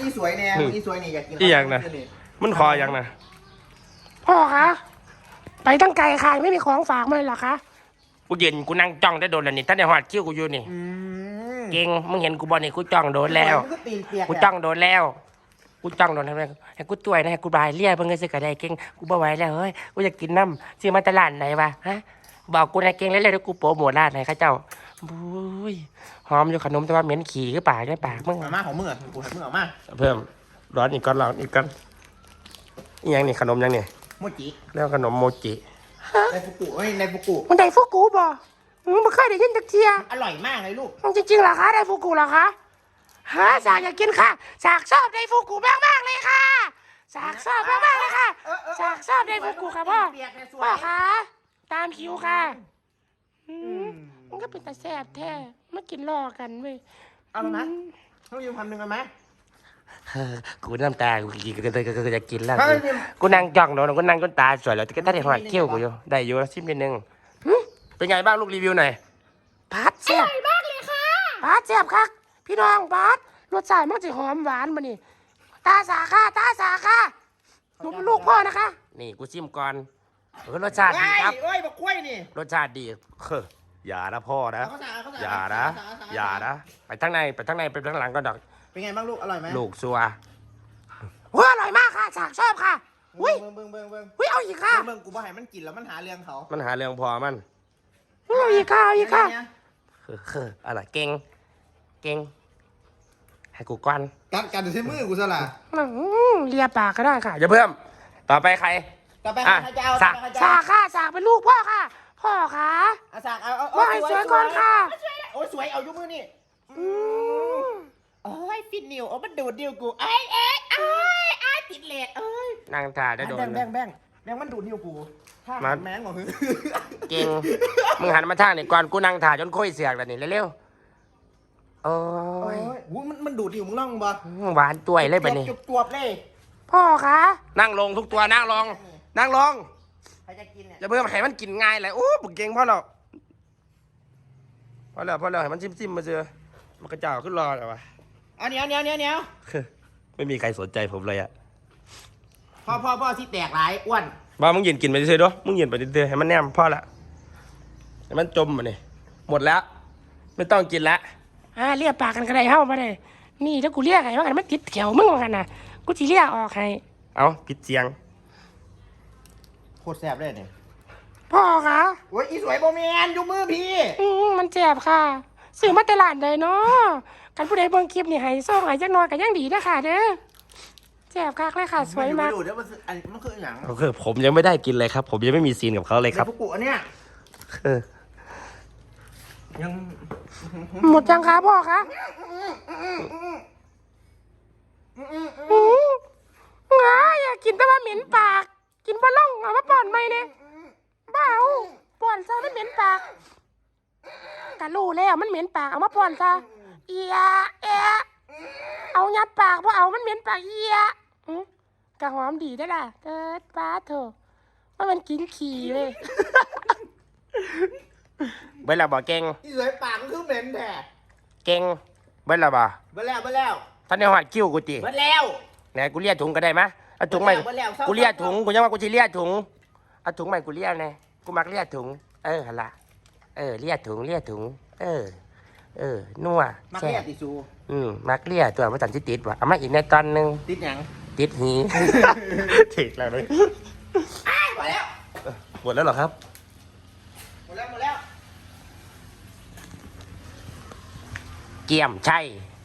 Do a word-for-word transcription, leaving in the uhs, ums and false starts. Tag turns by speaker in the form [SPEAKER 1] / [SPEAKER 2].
[SPEAKER 1] อีสวยแน่อีสวยนี่อยากกิน
[SPEAKER 2] อีอย่างนะมันคออย่างนะ
[SPEAKER 3] พ่อคะไปตั้งไกลค่ะไม่มีของฝากมาเลยเหรอคะ
[SPEAKER 2] กูเย็นกูนั่งจ้องได้โดนแล้วนี่ท่านในหอดคิ้วกูอยู่นี่เก่งมึงเห็นกูบอลนี่กูจ้องโดนแล้วกูจ้องโดนแล้วกูจ้องโดนทำไมให้กูตัวนะให้กูบายเลี้ยเพิ่งเงินซื้อกระไดเก่งกูบ่ไหวแล้วเฮ้ยกูอยากกินน้ำซื้อมาตลาดไหนวะฮะบอกกูนะเก่งแล้วเลยกูโปรโมทร้านไหนข้าเจ้าบุ้ยหอมอยู่ขนมแต่ว่าเหม็นขี้ก็ปากได้ปากมึง
[SPEAKER 1] มาม่าของมึงอ่ะกูให้มึงออกมา
[SPEAKER 2] เพิ่มร้อนอีกก้อนร้อนอีกก้อนอียังนี่ขนมยังนี่
[SPEAKER 1] โมจิ
[SPEAKER 2] แล้วขนมโมจิ
[SPEAKER 1] ในฟุกุเฮ้ยในฟุกุ
[SPEAKER 3] มันไดฟุกุบ่มึงไม่เคยได้ยินจักเทีย
[SPEAKER 1] อร่อยมากเลยลูก
[SPEAKER 3] จริงๆเหรอคะไดฟุกุเหรอคะฮะสากอยากกินค่ะสากชอบไดฟุกุมากมากๆเลยค่ะสากชอบมากมากๆเลยค่ะสากชอบไดฟุกุค่ะพ่อพ่อคะตามคิวค่ะมันก็เป็นตาแซ่บแท้มากินรอกันเว้ย
[SPEAKER 1] เอาไหมต้องยืมพันหนึ่งกันไหม
[SPEAKER 2] กูน้ำตากูกินก็ก็จะกินแล้วกูนั่งจ้องโดนกูนั่งจนตาสวยแล้วก็ได้หอดเขี้ยวกูอยู่ได้อยู่ชิมนิดนึงเป็นไงบ้างลูกรีวิวหน่อย
[SPEAKER 3] พัดแซ่บอร่อยมากเลยค่ะพัดแซ่บครับพี่น้องพัดรสชาติมันจะหอมหวานมานี่ตาสาค่ะตาสาค่ะหนูเป็นลูกพ่อนะคะ
[SPEAKER 2] นี่กูชิมก่อนรสชาติดีครับ
[SPEAKER 1] เอ้ยบักกล้วยนี่
[SPEAKER 2] รสชาติดีเฮ้ออย่านะพ่อนะอย่านะอย่านะไปทั้งในไปทั้งในไปทั้งหลังก็ดอก
[SPEAKER 1] เป็นไงบ้างลูกอร่อยไหม
[SPEAKER 2] ลูกซัว
[SPEAKER 3] ว้าอร่อยมากค่ะสากชอบค่ะอุ้ย
[SPEAKER 1] เบิ้งเบิ้งเบิ้งเบิ้ง
[SPEAKER 3] อุ้ยเอาอีกค่ะ
[SPEAKER 1] เบิ้งกูบ่ให้มันกินแล้วมันหาเรื่องเขา
[SPEAKER 2] มันหาเรื่องพอมัน
[SPEAKER 3] เอาอีกค่ะเอาอีกค่ะ
[SPEAKER 2] เฮ้อเฮ้ออะไรเก่งเก่งให้กูก่อน
[SPEAKER 1] กัดกัดใช้มือกูซะละ
[SPEAKER 3] อืมเลียปากก็ได้ค่ะ
[SPEAKER 2] อย่าเพิ่มต่อไปใคร
[SPEAKER 1] ต่อไป
[SPEAKER 2] อ่ะ
[SPEAKER 1] ใครจะเอา
[SPEAKER 2] สาก
[SPEAKER 1] ใครจะ
[SPEAKER 3] สา
[SPEAKER 1] เอา
[SPEAKER 3] กค่ะสากเป็นลูกพ่อค่ะ พ่อค่ะ
[SPEAKER 1] เอาสากเอาเอา
[SPEAKER 3] ว่าให้สวยก่อนค่ะ
[SPEAKER 1] โอ้ยสวยเอายุมือนี่
[SPEAKER 3] อืม
[SPEAKER 1] โอ้ยฟินนิวโอ้มันดูดนิ้วกูเอ้ยเอ้ยเอ้ยเอ้ยติดเลดเอ้ย
[SPEAKER 2] นั่งถ่ายได้โดน
[SPEAKER 1] แบง
[SPEAKER 2] เล
[SPEAKER 1] แบ
[SPEAKER 2] ย
[SPEAKER 1] งแบงแบงมันดูดนิ้วกูถ้า
[SPEAKER 2] มา
[SPEAKER 1] แมงกว่าคือ
[SPEAKER 2] เก่งมึงหันมาทางนี่ก่อนกูนั่งถ่ายจนคุยเสียกแล้วนี่เร็วๆโอ้
[SPEAKER 1] โอ้
[SPEAKER 2] ย
[SPEAKER 1] ยวุ้ยมันมันดูดนิ้วมึงล่องบ่
[SPEAKER 2] หวานตัวยเลยไปนี่
[SPEAKER 1] จุบจวบเลย
[SPEAKER 3] พ่อคะ
[SPEAKER 2] นั่งลงทุกตัวนั่งลงนั่งลง
[SPEAKER 1] ใครจะกินเนี่ย
[SPEAKER 2] อย่าเพิ่มให้มันกินง่ายเลยโอ้บุกเก่งพ่อเราพอแล้วพอแล้วให้มันจิ้มๆมาเจอมันกระเจ้าขึ้นรอเลยวะ
[SPEAKER 1] เอาเหนียวเหนียวเหนียวเหนียว
[SPEAKER 2] ไม่มีใครสนใจผมเลยอะ
[SPEAKER 1] พ่อพ่อพ่อที่แตกหลายอ้วน
[SPEAKER 2] บ้ามึงเย็นกินไปเฉยๆด้วยมึงเย็นไปเฉยๆให้มันแนมพ่อละให้มันจมมาเนี่ยหมดแล้ว ไม่ต้องกินละ
[SPEAKER 3] อ่าเลียปากกันก็ได้เฮ้ามาเลยนี่ถ้ากูเลียกไงว่ากันมันติดแถวมึงว่ากันนะกูจะเลียออกให้
[SPEAKER 2] เอาผิดเสียง
[SPEAKER 1] โคตรแซ่บเลยเนี่ย
[SPEAKER 3] พ่อคะ
[SPEAKER 1] โอ้ยอีสวยโบเมียนยูมือพี่
[SPEAKER 3] อืมมันเจ็บค่ะซื้อมาแตลาดใดเนาะกันผู้ใดเบิ่งคลิปนี่ให้ซ่องให้จักหน่อยก็ยังดีนะค่ะเด้อเจ็บคักเลยค่ะสวยมาก
[SPEAKER 1] ดูเดี๋ยวมันอันมันคืออย่าง
[SPEAKER 2] โอเคผมยังไม่ได้กินเลยครับ ผมยังไม่มีซีนกับเขาเลยครับ
[SPEAKER 1] ในฟุกุอันเนี้ย
[SPEAKER 2] เออ
[SPEAKER 1] ยัง
[SPEAKER 3] หมดยังคะพ่อคะอืมง่าอยากกินแต่ว่าเหม็นปาก กินบะล่องเอามาป้อนไหมเนี่ยบ้าเอาป้อนซะมันเหม็นปากกะรู้แล้วมันเหม็นปากเอามาป้อนซะเอียเอะเอายัดปากเพราะเอามันเหม็นปากเอียอืมกะหอมดีได้อล่ะเกิดป้าเถอะว่ามันกินขี่เลย
[SPEAKER 2] เบิ้ลละบ่เก่ง
[SPEAKER 1] อีสวยปากมันคือเหม็นแท้
[SPEAKER 2] เก่งเบิ้ลละบ่
[SPEAKER 1] เบิ่แล้วเบิ่แล้ว
[SPEAKER 2] ท่านในหัดคิ้วกูจี
[SPEAKER 1] เบิ่แล้ว
[SPEAKER 2] ไหนกูเลียถุงก็ได้ไหมเอาถุงใหม่
[SPEAKER 1] เบิ่แล้วเศร้า
[SPEAKER 2] กูเลียถุงกูยังว่ากูจะเลียถุงเอาถุงใหม่กูเลียไงกูมักเลียถุง เออหั่นละเออเลียถุงเลียถุง เออ เออนัว
[SPEAKER 1] มัก
[SPEAKER 2] แซ่
[SPEAKER 1] เรีย
[SPEAKER 2] บ
[SPEAKER 1] ติซู
[SPEAKER 2] อืมมักเลียตัวมาจันที่ติดว่ะเอามาอีกในตอนหนึง
[SPEAKER 1] ติดหยัง
[SPEAKER 2] ติดหี ถิกแล้วเลย
[SPEAKER 1] อ้ายหมดแล้ว
[SPEAKER 2] หมดแล้วเหรอครับ
[SPEAKER 1] หมดแล้วหมดแล้ว
[SPEAKER 2] เกี่ยมใช่